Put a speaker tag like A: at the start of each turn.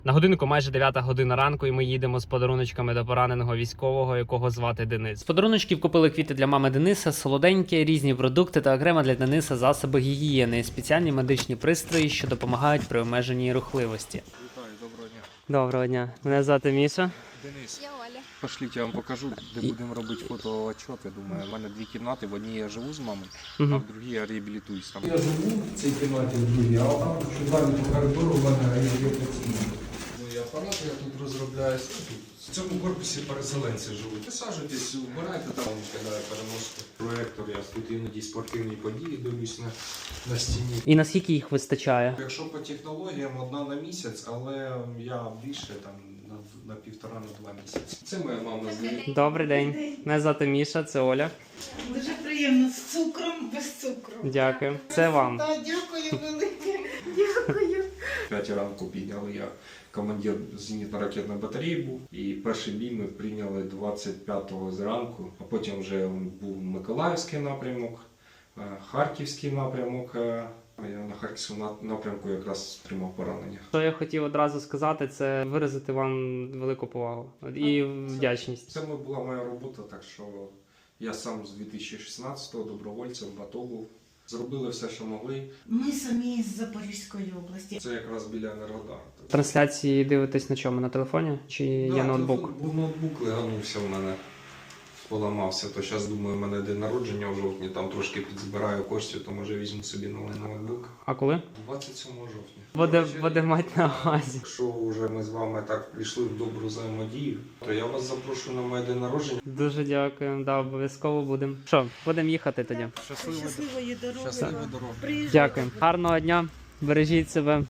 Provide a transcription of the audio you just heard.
A: На годинку майже 9 година ранку, і ми їдемо з подаруночками до пораненого військового, якого звати Денис. З подаруночків купили квіти для мами Дениса, солоденькі, різні продукти та окремо для Дениса засоби гігієни, спеціальні медичні пристрої, що допомагають при обмеженій рухливості.
B: Вітаю, доброго дня.
A: Доброго дня. Мене звати Міша.
B: Денис,
C: Я Оля.
B: пошліть, я вам покажу, де будемо робити фотоотчет. Я думаю, у мене дві кімнати, в одній я живу з мамою, а в другій я реабілітуюсь там.
D: Я живу в цій кімнаті в другій, а там, що далі по коридору, в мене є пацієнт.
E: Ну і апарат я тут розробляю. В цьому корпусі переселенці живуть. Висаджуйтесь, вбирайте там, кидає переноску. Проектор, я тут іноді спортивні події дивлюсь на стіні.
A: І наскільки їх вистачає?
E: Якщо по технологіям одна на місяць, але я більше там на 1,5-2 місяці. Це моя мама з нею.
A: Добрий день. Мене звати Міша, це Оля.
F: Дуже приємно з цукром, без цукру.
A: Дякую. Це вам.
F: Та, дякую велике. Дякую.
E: 5 ранку підняли, я командир зенітно-ракетної батареї був. І перший бій ми прийняли 25-го зранку, а потім вже був Миколаївський напрямок, Харківський напрямок. Я на Харківському напрямку якраз отримав поранення.
A: Що я хотів одразу сказати, це виразити вам велику повагу і вдячність.
E: Це була моя робота, так що я сам з 2016-го добровольцем в АТО був. Зробили все, що могли.
F: Ми самі з Запорізької області.
E: Це якраз біля Енергодару.
A: Трансляції дивитесь на чому? На телефоні? Чи є ноутбук?
E: Був ноутбук, леганувся в мене, поламався. То зараз, думаю, у мене день народження в жовтні, там трошки підзбираю коштів, то може візьму собі новий ноутбук.
A: А коли?
E: 27 жовтня.
A: Буде мати на увазі.
E: Якщо вже ми з вами так пішли в добру взаємодію, то я вас запрошую на моє день народження.
A: Дуже дякую. Да, обов'язково будемо. Що, будемо їхати тоді.
F: Щасливої дороги.
E: Щасливої дороги.
F: Приїжджайте.
A: Дякую. Гарного дня. Бережіть себе.